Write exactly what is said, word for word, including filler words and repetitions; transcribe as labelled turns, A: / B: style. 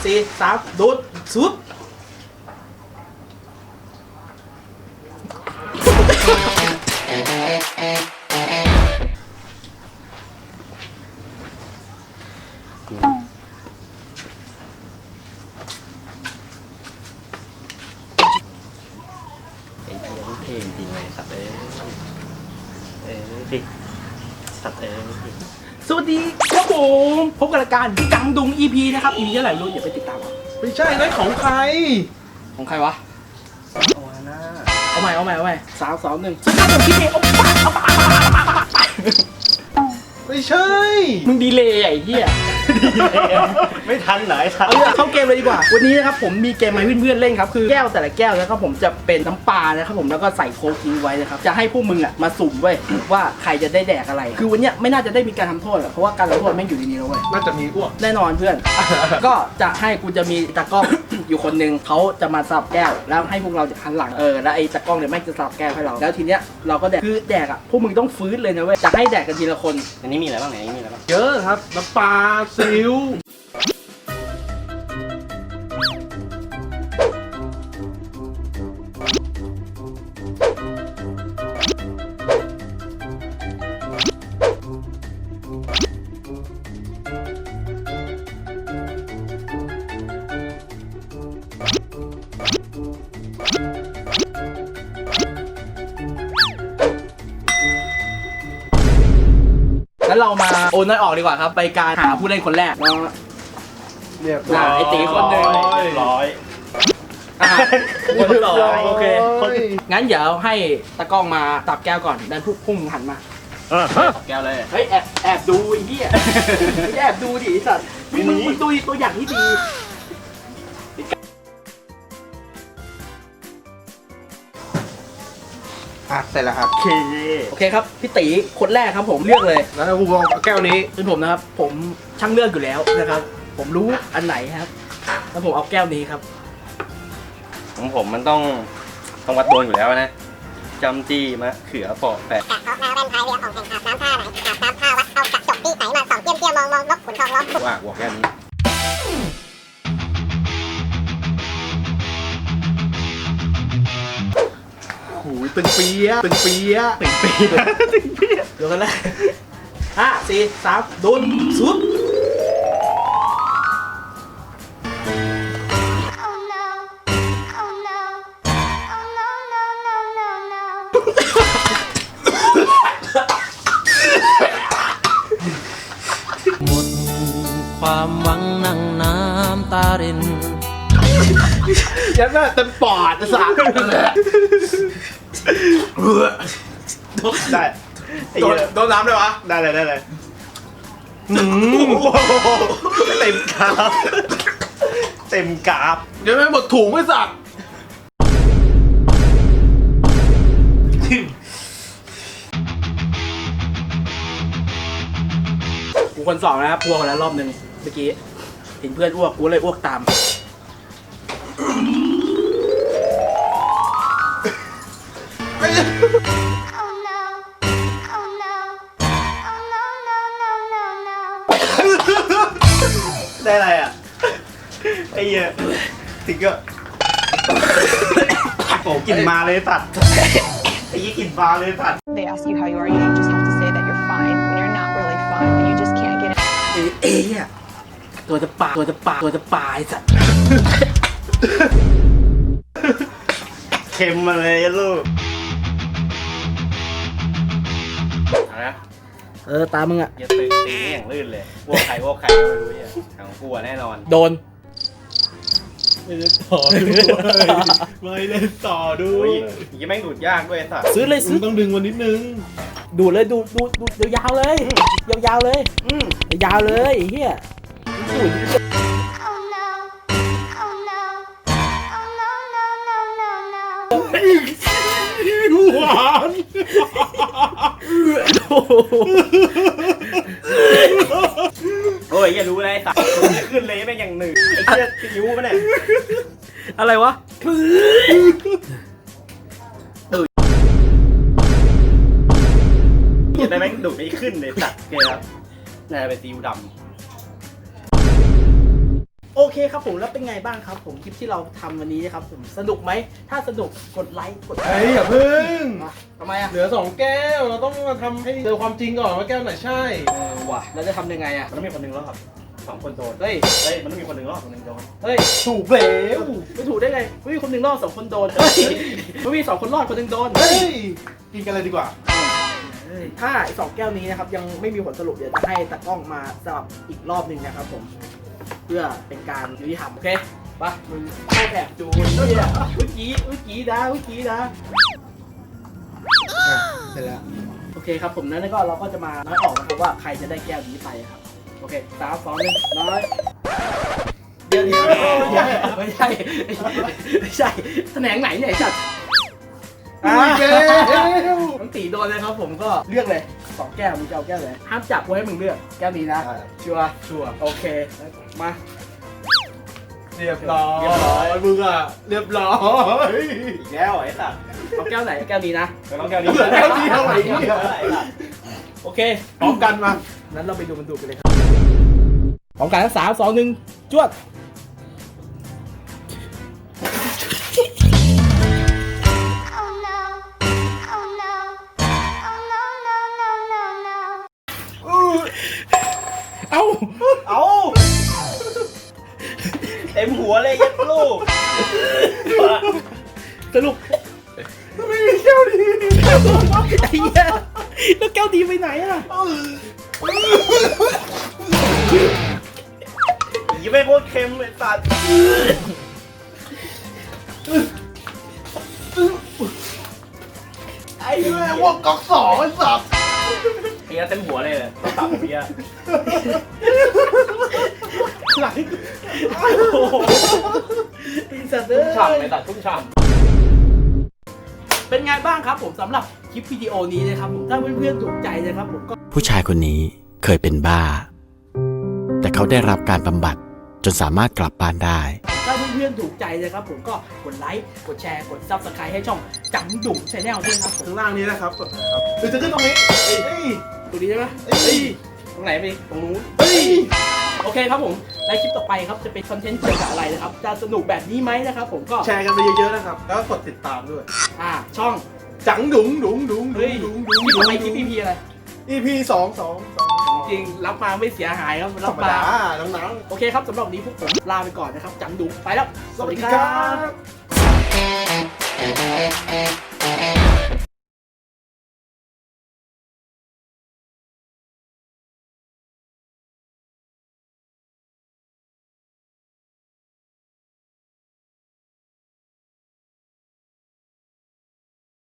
A: สี่สามดูดซุป
B: ไอ้เหี้ยมันเท่จริงเลยสัตว์เอ้ยเอ้ยดิสัตว์เอ้ย
A: สวัสดีครับผมพบกับรายการจังดุง อี พี นะครับ อี พี เท่าไหร่รู้อย่าไปติดตาม
C: ไม่ใช่นั่นของใคร
A: ของใครวะ
B: โอ้ยน่า
A: เอาใหม่เอาใหม่เอาใหม่สามสองหนึ่งสกัดผมคิดเองโอ้ปะเอาปะ
C: ไม่ใช่
A: มึงดีเลยไอ้เหี้ย
B: ไม่ทันไหนทัน
A: เอาเข้าเกมเลยดีกว่าวันนี้นะครับผมมีเกมมาให้เพื่อนๆเล่นครับคือแก้วแต่ละแก้วนะครับผมจะเป็นน้ำปลานะครับผมแล้วก็ใส่โค้กทิ้งไว้นะครับจะให้พวกมึงอ่ะมาสุ่มเว้ยว่าใครจะได้แดกอะไรคือวันเนี้ยไม่น่าจะได้มีการทำโทษหรอกเพราะว่าการทำโทษแม่งอยู่ในนี้แล้วเว้ย
C: น่าจะมีอ้วก
A: แน่นอนเพื่อน ก็จะให้กูจะมีตากล้อง อยู่คนหนึงเขาจะมาสับแก้วแล้วให้พวกเราจะหันหลังเออแล้วไอ้ตากล้องเนี่ยแม่งจะสับแก้วให้เราแล้วทีเนี้ยเราก็แดกคือแดกอ่ะพวกมึงต้องฟื้นเลยนะเว้ยจะให้แดกกันทีละคน
B: อันนี้มีอะไรบ้างไหนอันนี้มีอะไรบ้าง
C: เยอะครับน้ำปลาซิว
A: แล้วเรามาโอนน้อยออกดีกว่าครับไปการหาผู้เล่นคนแรก
C: เรียบ
A: อ่ะไอ้ตีคนหนึ่ง
B: เรียบร้อย
A: อ่ะคนที่สองโอเค
C: คน
A: งั้นเดี๋ยวให้ตากล้องมาตับแก้วก่อนดันพุ่งพุ่งหันมา
B: แก้วเลย
A: เฮ้ยแอบแอบดูไอ้เหี้ยแอบดูดิไอ้สัตว์มึงมึงมึงดูตัวอย่างที่ดี
C: อ่ะเสร็จแล้วครับ
B: โอเค
A: โอเคครับพี่ตีคนแรกครับผมเลือกเลย
C: แล้วกูลองแก้วนี้
A: เป็นผมนะครับ ผมช่างเลือกอยู่แล้วนะครับ ผมรู้อันไหนครับ แล้วผมเอาแก้วนี้ครับ
B: ของผมมันต้องต้องวัดโดนอยู่แล้วนะจำจี้มะเขือปอกแปะ
D: กะเพาะแมวแว่นพายเรือออกแข่งอาบน้ำท่าไหนอาบน้ำท่าวัดเอากระจกที่ไหนมาส่องเตี้ยมเตี้ยมองมองนกขุนทองล้อม
B: ว่าหัวแค่นี้
C: หูยตึงเปียะตึงเปียะ
B: ตึงปีนะตึงปี
A: เดี๋ยวกันเลยห้าสี่สามโดนซุป
D: Oh no Oh no Oh no no no no no
E: หมดความหวังนั่งน้ำตาริน
C: ยันหน้าเต็มปอดสาม
B: ได้ไอ้
C: โด
B: เหี้
C: น
B: ย
C: โดนน้ำเลยวะ
B: ได้เลยได้เลยเต็มกราฟเต็มกราฟ
C: เดี๋ยวไม่หมดถุงไม่สัก
A: กูคนสองนะครับพวกคนละรอบหนึ่งเมื่อกี้เห็นเพื่อนอ้วกกูเลยอ้วกตาม
D: Oh no Oh no Oh no no no no no
B: ได้อะไรอ่ะไอ้เหี้ยติ๊กเกอร์โอ้กลิ่นมาเลยสัตว์ไอ้ยี่กลิ่นมาเลยสัตว์
F: They ask you how you are, you just have to say that you're fine when you're not really fine and you just can't get it.
A: เอ๊ะเอ๊ะอะตัวจะป่าตัวจะป่าตัวจะป่าไอ้สัตว์
B: เค็มมาเลยลูกเอาละ
A: เออตามึงอะ
B: อย่าตื่นตีนี่อย่างลื่นเลยวัวไข่วัวไข่ก็ไม่รู้เนี่ยของกูอะแน่นอน
A: โดน
C: ไม่ได้ต่อด้วยไม่ได้ต่อด้
B: โอ้
C: วย
B: ยยังแม่งดูดยากด้วยไอ้สัตว์
A: ซื้อเลย
C: มึ
A: ซื้
C: ง
A: อ
C: ต้องดึงวันนิดนึง
A: ดูดเลยดูดดูดดูดยาวๆเลยยาวๆเลย
B: อืม
A: ยาวๆเลยไอ้เฮียดูด
D: Oh no Oh no Oh no no no no no
C: หวาน
B: โอ้ยอย่ารู้เลยไอ้สัตว์มันจะขึ้นเลยแม่งอย่างหนึ่งไอ้เชี่ยนิ้วมันเนี่ย
A: อะไรวะ
B: อย่าได้แม่งดูดไม่ขึ้นเลยสัตว์เกลียครับน่าจะเป็นซีอิ๊วดำ
A: โอเคครับผมแล้วเป็นไงบ้างครับผมคลิปที่เราทำวันนี้นะครับผมสนุกไหมถ้าสนุกกดไลค์กด
C: เฮ้ยอย่าพึ่ง
A: อ่ะทำไมอ่ะ
C: เหลือสองแก้วเราต้องมาทำให้เจอความจริงก่อนว่าแก้วไหนใช่
A: เออว่ะแล้วจะทำยังไงอ่ะ
B: มันต้องมีคนหนึ่งรอดสองคนโดน
A: เฮ้ย
B: เฮ้ยมันต้องมีคนหนึ่งรอดคนหนึ่งโดน
A: เฮ้ย
C: ถูกแล้ว
A: ไม่ถูกได้ไงไม่มีคนหนึ่งรอดสองคนโดนเฮ้ยไม่มีสองคนรอดคนหนึ่งโดน
C: เฮ้ยกินกันเลยดีกว่า
A: ถ้าไอ้สองแก้วนี้นะครับยังไม่มีผลสรุปเดี๋ยวจะให้ตากล้องมาสลับอีกรอบหนึ่งนะครับผมเพื่อเป็นการยุติธรรมโอเคปะมึงเข้าแอบจูนเนี่ยเมื่อกี้เมื่อกี้นะเมื่อกี้นะ
C: เสร็จแล้ว
A: โอเคครับผมนั้นก็เราก็จะมาน้อยออกนะครับว่าใครจะได้แก้วนี้ไปครับโอเคสามสองหนึ่งน้อยเดี๋ยวเดี๋ยวไม่ใช่ไม่ใช่แถนงไหนเนี่ยไอ้สัตว์
C: อ่ะแก้ว
A: น้องตีโดนเลยครับผมก็เลือกเลยสองแก้วมึงจะเอาแก้วไหนห้ามจับกูให้มึงเลือกแก้วนี้นะชัวร์
C: ชัวร์
A: โอเคมา
C: เรียบร้อยมึงอ่ะเรียบร้อย
B: อีกแล้วไอ้สัตว์
A: เอาแก้วไหนแก้วนี้นะ
B: มันต้องแก้วนี้
C: เหลือแก้วเดียวไอ้เหี้ย
A: โอเค
C: พร้อมกันมา
A: นั้นเราไปดูมันดูกันเลยครับพร้อมกันทั้งสามสองหนึ่งจวด
D: Oh no. Oh no. Oh no, no, no, no, no.
A: เอ้า
B: เอาเต็มหัวเลยยัดลูก
A: สรุป
C: ไม่มีแก้วดี
A: ไอ้เหี้ยแล้วแก้วดีไปไหนอะ
B: ยี่ไม่โคตรเค็มเลยสัตว์
C: ไอ้แม่ว่าก๊อกสองไอ้สับ
B: เฮียเต็มหัวเลยต้องตับผมเฮีย
A: หลังโอ้โหไอ้สัตว์เอ้
B: ชุ่มฉ่ำ
A: ย
B: ไอ้สัตว์ชุ่มฉ่
A: เป็นไงบ้างครับผมสำหรับคลิปวิดีโอนี้นะครับผมถ้าเพื่อนๆถูกใจนะครับผมก็
G: ผู้ชายคนนี้เคยเป็นบ้า แต่เขาได้รับการบำบัดจนสามารถกลับบ้านได้
A: ถ้าเพื่อนๆถูกใจนะครับผมก็กดไลค์กดแชร์กดซับสไครต์ให้ช่องจังดุ่มชาแนลด้วยครับผม
C: ข้างล่างนี้นะครับกดนะครับหรือจะขึ้นตรงนี้เฮ้ย
A: ตรงนี้ใช่ไหม
C: เฮ้ย
A: เฮ้ยตรงไหนไปตรงนู้น
C: เฮ้ย
A: โอเคครับผมในคลิปต่อไปครับจะเป็นคอนเทนต์เกี่ยวกับอะไรนะครับจะสนุกแบบนี้ไหมนะครับผมก็
C: แชร์กันไปเยอะๆนะครับ แล้วก็กดติดตามด้วย
A: อ่าช่อง
C: จังดุ๋งดุ๋งดุ๋งดุ๋
A: เฮ้ย
C: งดุ๋ง
A: ค
C: ดุ๋ง
A: ลิปต่อไปคลิป อี พี อะไร
C: อีพีสองสองสอง
A: จริงรับมาไม่เสียหายครับ
C: ธร
A: รับ
C: รม
A: มา
C: ดาน้อง
A: โอเคครับสำหรับวันนี้พวกผมลาไปก่อนนะครับจังดุ่มไปแล้ว
C: ๆสวัสดีครับ